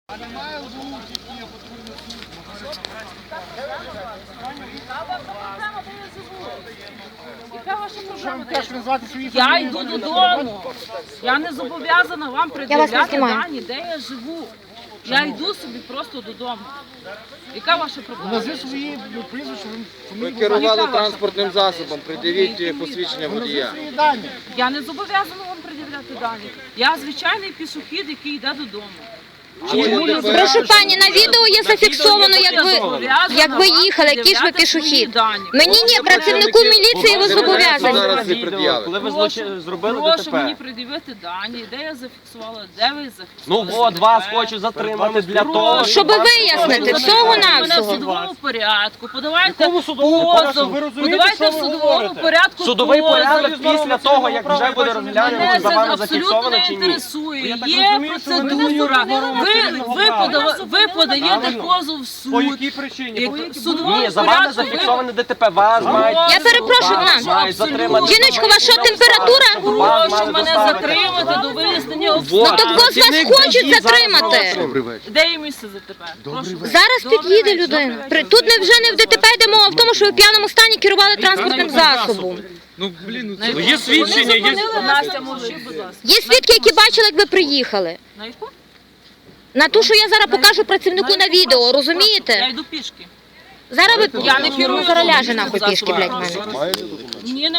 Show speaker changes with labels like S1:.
S1: А немає звук, які я потрібно
S2: Яка ваша проблема? Я йду додому. Я не зобов'язана вам пред'являти дані, де я живу. Я йду собі просто додому. Яка ваша проблема?
S1: Назви свої прізвища.
S3: Ви керували транспортним засобом, придивіть посвідчення водія.
S1: Свої дані.
S2: Я не зобов'язана вам пред'являти дані. Я звичайний пішохід, який йде додому.
S4: Прошу пані, на відео є зафіксовано, як ви їхали, який ж ви пішохід. Мені ні, працівнику міліції ви зобов'язані.
S3: Зараз і пред'явите.
S5: Коли ви зробили
S2: Прошу мені
S5: ДТП.
S2: пред'явити дані, де я зафіксувала, де ви
S5: Ну
S2: зафіксували.
S5: от, вас хочу затримати для того,
S4: Щоб вияснити, всього-навсього.
S2: Мене в судовому порядку, подавайте
S5: Якому судовому порядку? Ви
S2: позов,
S5: розумієте,
S2: подавайте в
S5: що ви
S2: судовому
S5: говорите?
S2: порядку
S5: Судовий
S2: позов.
S5: порядок після того, як вже буде розглянено,
S2: Мене
S5: чи за
S2: це
S5: вами
S2: абсолютно
S5: зафіксовано
S2: не
S5: чи ні.
S2: інтересує.
S5: Я так
S2: Є
S5: розумію, що ви не
S2: процедура.
S5: нормально
S2: Ви подаєте позов в суд.
S5: По якій причині?
S2: В судовому
S5: Ні, за вами
S2: порядку
S5: зафіксоване ДТП. Вас мають...
S4: Я перепрошую,
S5: вас
S4: на.
S5: мають затримати.
S4: Жіночко, ваша температура?
S2: Прошу мене затримати до вияснення
S4: Ну
S2: обставин.
S4: так вас хочуть затримати.
S2: Де є місце за тебе?
S4: Зараз під'їде людина. Тут вже не в ДТП йде мова в тому, що ви в п'яному стані керували транспортним засобом.
S2: Є свідчення, є... Настя, мовчи, будь ласка.
S4: Є свідки, які бачили, як ви приїхали.
S2: На яку?
S4: На ту, що я зараз покажу працівнику на відео,
S2: Я
S4: розумієте?
S2: йду пішки.
S4: Зараз ви...
S2: Я не керую.
S4: Зараз ляже нахуй пішки, блядь, в мене.
S2: Ні,